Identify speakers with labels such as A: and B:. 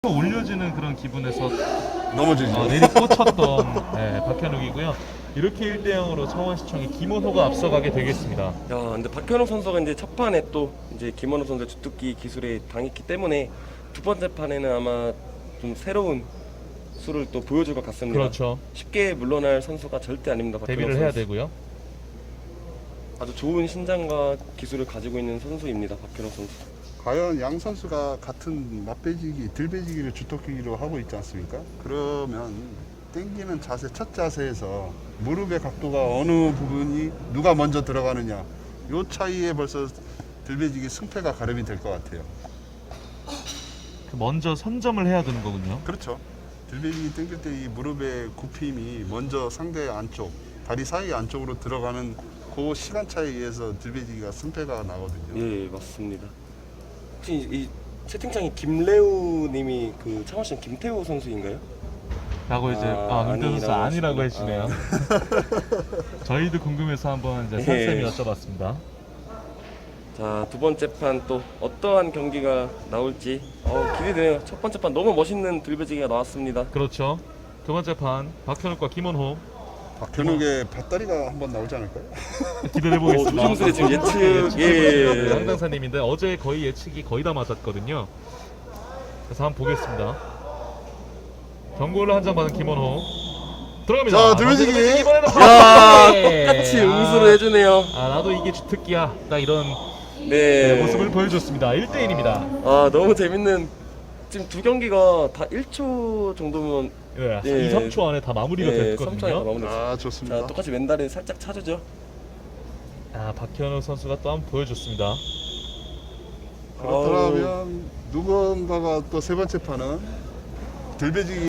A: 올려지는 그런 기분에서
B: 넘어지죠.
A: 내리꽂혔던 박현욱이고요. 이렇게 1대0으로 창원시청이 김원호가 앞서가게 되겠습니다.
C: 야, 근데 박현욱 선수가 이제 첫 판에 또 이제 김원호 선수의 주특기 기술에 당했기 때문에 두 번째 판에는 아마 좀 새로운 수를 또 보여줄 것 같습니다.
A: 그렇죠.
C: 쉽게 물러날 선수가 절대 아닙니다. 박현욱
A: 데뷔를
C: 선수.
A: 해야 되고요.
C: 아주 좋은 신장과 기술을 가지고 있는 선수입니다. 박현욱 선수.
B: 과연 양 선수가 같은 맞배지기, 들배지기를 주특기로 하고 있지 않습니까? 그러면 땡기는 자세, 첫 자세에서 무릎의 각도가 어느 부분이 누가 먼저 들어가느냐, 요 차이에 벌써 들배지기 승패가 가름이 될 것 같아요.
A: 먼저 선점을 해야 되는 거군요.
B: 그렇죠. 들배지기 땡길 때 이 무릎의 굽힘이 먼저 상대 안쪽, 다리 사이 안쪽으로 들어가는 그 시간 차이에 의해서 들배지기가 승패가 나거든요.
C: 예, 맞습니다. 혹시 이 채팅창에 김래우 님이 그 창원시 김태우 선수인가요?
A: 라고 이제 은퇴 선수 아니라고 해주시네요. 저희도 궁금해서 한번 이제 선생님이 여쭤봤습니다.
C: 자, 두 번째 판 또 어떠한 경기가 나올지 기대되네요. 첫 번째 판 너무 멋있는 들배지기가 나왔습니다.
A: 그렇죠. 두 번째 판 박현욱과 김원호
B: 박현욱의 밧다리가 한번 나오지 않을까요?
A: 기대해 보겠습니다.
C: 조심스레 지금 예측
A: 황당사님인데 어제 거의 예측이 거의 다 맞았거든요. 그래서 한번 보겠습니다. 경고를 한 장 받은 김원호 들어갑니다.
B: 자, 들배지기.
A: 이번에는
C: 야,
A: 네.
C: 똑같이 응수를 해주네요.
A: 나도 이게 주특기야. 딱 이런
C: 네.
A: 모습을 보여줬습니다. 1대1입니다.
C: 너무 재밌는 지금 두 경기가 다 1초 정도면
A: 네,
C: 예.
A: 2, 3초 안에 다 마무리가
C: 3초 안에 다
A: 됐거든요.
C: 마무리됐어요.
B: 좋습니다.
C: 자, 똑같이 왼다리 살짝 차주죠.
A: 박현욱 선수가 또 한번 보여줬습니다.
B: 그렇다면 누군가가 또 세 번째 판은 들배지기